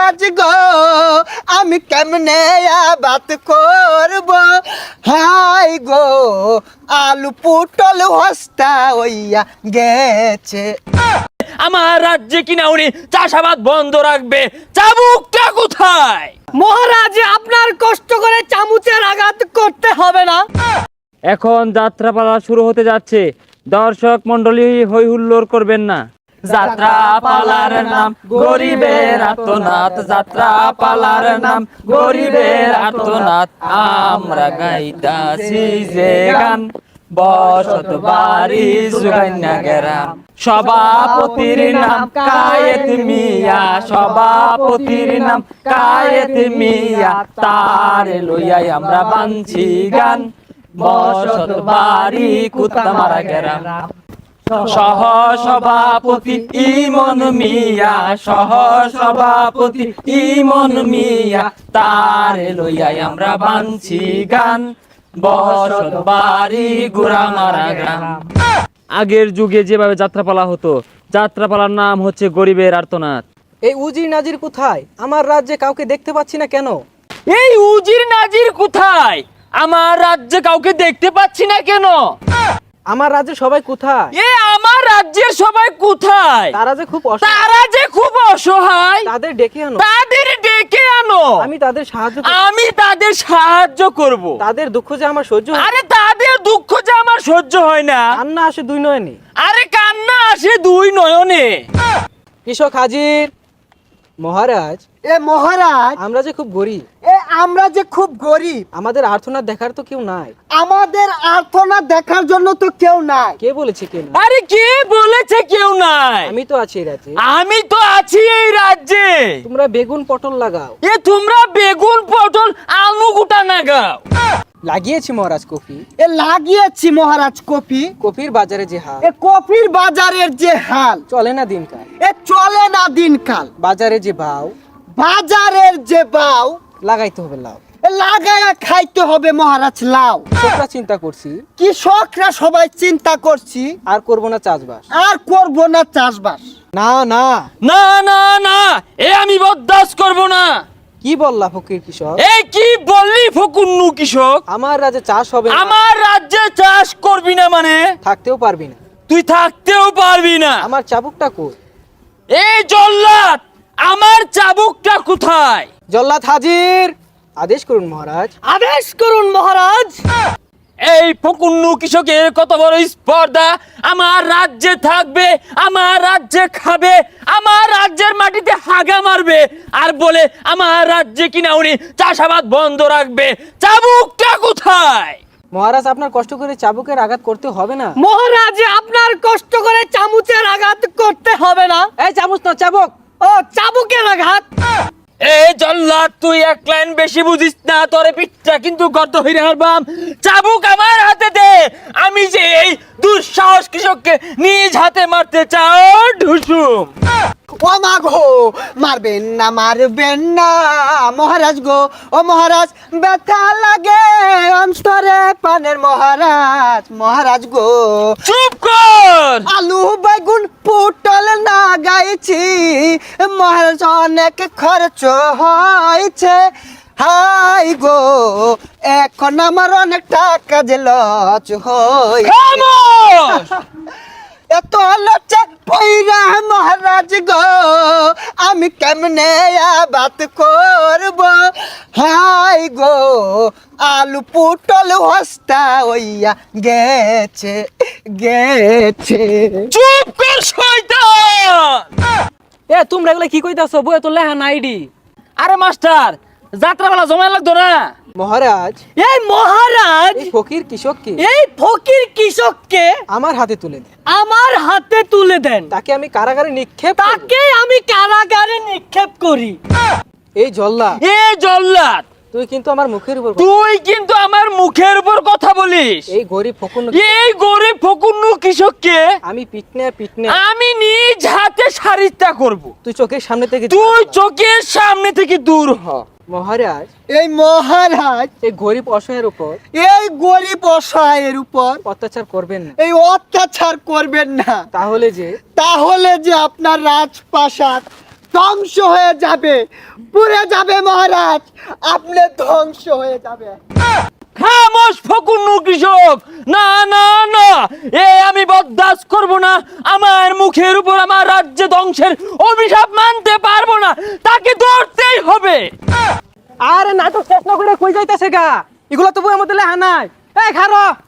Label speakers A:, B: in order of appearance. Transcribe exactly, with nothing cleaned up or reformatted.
A: মহারাজ গো আমি কেমনে বাত করব হাই গো আলু পুটল হস্তা হইয়া গেছে।
B: আমার রাজ্যে কিনা উনি চাষাবাদ বন্ধ রাখবে, চাবুকটা কোথায়?
C: মহারাজ আপনার কষ্ট করে চামচের আঘাত করতে হবে না।
B: এখন যাত্রাপালা শুরু হতে যাচ্ছে, দর্শক মন্ডলী হই হুল্লোড় করবেন না। যাত্রা পালার নাম গরিবের আর্তনাদ, যাত্রা পালার নাম গরিবের আর্তনাদ, আমরা গাইতাছি যে গান বসত বাড়ি সুগাইনা গেরাম। সভাপতির নাম কায়েত মিয়া, সভাপতির নাম কায়েত মিয়া, তার লইয়াই আমরা বানছি গান বসত বাড়ি কুত্তামারা গেরাম। সহ সভাপতি ইমন মিয়া, সহ সভাপতি ইমন মিয়া, তার লইয়াই আমরা বানছি গান বসত বাড়ি গুড়ামারা গ্রাম। আগের যুগে যেভাবে যাত্রাপালা হতো, যাত্রাপালার নাম হচ্ছে গরিবের আর্তনাদ।
C: এই উজির নাজির কোথায়? আমার রাজ্যে কাউকে দেখতে পাচ্ছি না কেন?
B: এই উজির নাজির কোথায়? আমার রাজ্যে কাউকে দেখতে পাচ্ছি না কেন?
C: আমার রাজ্যে সবাই কোথায়?
B: এ আমার রাজ্যের সবাই কোথায়?
C: তারা যে খুব অসহায়,
B: তারা যে খুব অসহায়,
C: তাদের ডেকে আনো,
B: তাদের ডেকে আনো,
C: আমি তাদের সাহায্য করব।
B: আমি তাদের সাহায্য করব।
C: তাদের দুঃখ যে আমার সহ্য হয় না।
B: আরে তাদের দুঃখ যে আমার সহ্য হয় না।
C: কান্না আসে দুই নয়নে।
B: আরে কান্না আসে দুই নয়নে।
C: কৃষক হাজির। মহারাজ,
A: এ মহারাজ
C: আমরা যে খুব গরিব,
A: এ আমরা যে খুব গরিব,
C: আমাদের আর্তনাদ দেখার তো কেউ নাই।
A: আমাদের আর্তনাদ দেখার জন্য তো কেউ নাই।
C: কে বলেছে কেউ নাই?
B: আরে কে বলেছে কেউ নাই?
C: আমি তো আছি এই রাজ্যে।
B: আমি তো আছি এই রাজ্যে।
C: তোমরা বেগুন পটল লাগাও।
B: এ তোমরা বেগুন পটল আলু গুটা নাগাও।
C: লাগিয়েছি মহারাজ কফি।
A: এ লাগিয়েছি মহারাজ কফি।
C: কফির বাজারে যে হাল,
A: এ কফির বাজারের যে হাল,
C: চলে না দিনকাল।
A: এ চলে না দিনকাল।
C: বাজারে যে ভাও,
A: বাজারের যে বাও,
C: লাগাইতে হবে লাউ।
A: এ লাগায়া খাইতে হবে মহারাজ লাউ।
C: কৃষকরা চিন্তা করছি,
A: কৃষকরা সবাই চিন্তা করছি
C: আর করব না চাষবাস।
A: আর করব না চাষবাস।
C: না না,
B: না না না, এ আমি বরদাস্ত করব না।
C: কি বললা ফকির কৃষক?
B: এই কি বললি ফকুন্নু কৃষক?
C: আমার রাজ্যে চাষ হবে না।
B: আমার রাজ্যে চাষ করবি না মানে?
C: থাকতেও পারবি না।
B: তুই থাকতেও পারবি না।
C: আমার চাবুকটা কই?
B: এই জল্লাদ, আমার চাবুকটা কোথায়?
C: জল্লাদ হাজির। আদেশ করুন মহারাজ।
A: আদেশ করুন মহারাজ।
B: এই ফকুন্নু কৃষকের কত বড় স্পর্ধা! আমার রাজ্যে থাকবে, আমার রাজ্যে খাবে, আমার রাজ্যের মাটিতে হাগা মারবে, আর বলে আমার রাজ্যে কিনা উনি চাষাবাদ বন্ধ রাখবে। চাবুকটা কোথায়?
C: মহারাজ, আপনার কষ্ট করে চাবুকের আঘাত করতে হবে না।
A: মহারাজ আপনার কষ্ট করে চামচের আঘাত করতে হবে না।
C: এই চামচ না, চাবুক।
A: ও চাবুকের আঘাত।
B: এই জল্লাদ, তুই এক লাইন বেশি বুঝিস না, তোরে পিঠটা কিন্তু গর্ত হইরে হারবাম। চাবুক আমার হাতে দে। আমি যে এই দুঃসাহস কৃষককে নিজ হাতে মারতে চাও ঢুসুম।
A: ও মা গো, মারবেন না মারবেন না মহারাজ গো। ও মহারাজ, ব্যথা লাগে অন্তরে পানের মহারাজ। মহারাজ গো,
B: চুপ কর।
A: আলু বেগুন পুটল না গাইছি মহারাজ, অনেক খরচ হয়েছে। হাই গো, এখন আমার অনেক টাকা যে লচ হই।
B: খামোশ!
A: এত লজ্জা পইরা মহারাজ গো আমি কেমনে বাত করব হাই গো আলু পুটল হস্তা হইয়া গেছে গেছে।
B: চুপ কর শয়তান!
C: এ তোমরা এগুলা কি কইতাছো? বই তো লেহা নাইডি।
B: আরে মাস্টার, যাত্রাবেলা জমা লাগতো না?
C: মহারাজ,
A: এই মহারাজ,
C: এই ফকির কৃষককে
A: এই ফকির কৃষককে
C: আমার হাতে তুলে দেন।
A: আমার হাতে তুলে দেন।
C: তাকে আমি কারাগারে নিক্ষেপ করব।
A: তাকে আমি কারাগারে নিক্ষেপ করি।
C: এই জল্লা,
B: এ জল্লাদ,
C: তুই কিন্তু আমার মুখের উপর,
B: তুই কিন্তু আমার মুখের উপর কথা বলিস।
C: এই গরিব ফকুন্নু,
B: এই গরিব ফকুন্নু কৃষককে
C: আমি পিটনে পিটনে
B: আমি নিজ হাতে সারিতা করব।
C: তুই চোখের সামনে থেকে,
B: তুই চোখের সামনে থেকে দূর হ।
C: মহারাজ,
A: এই মহারাজ
C: এই গরিব অসহায়ের উপর
A: এই গরিব অসহায়ের উপর
C: অত্যাচার করবেন না।
A: এই অত্যাচার করবেন না।
C: তাহলে যে
A: তাহলে যে আপনার রাজপ্রাসাদ ধ্বংস হয়ে যাবে, পুড়ে যাবে মহারাজ, আপনি ধ্বংস হয়ে যাবে।
B: খামোশ ফকুন্নু কৃষক, না না না, এ আমি বরদাস্ত করব না। আমার মুখের উপর আমার রাজ্য ধ্বংসের অভিশাপ মানতে পারবো না, তাকে ধরতেই হবে।
C: আরে নাটক শেষ না করে কই যাইতেছে গা, এগুলো তো বইয়ের মধ্যে লেখা নাই। এই খারো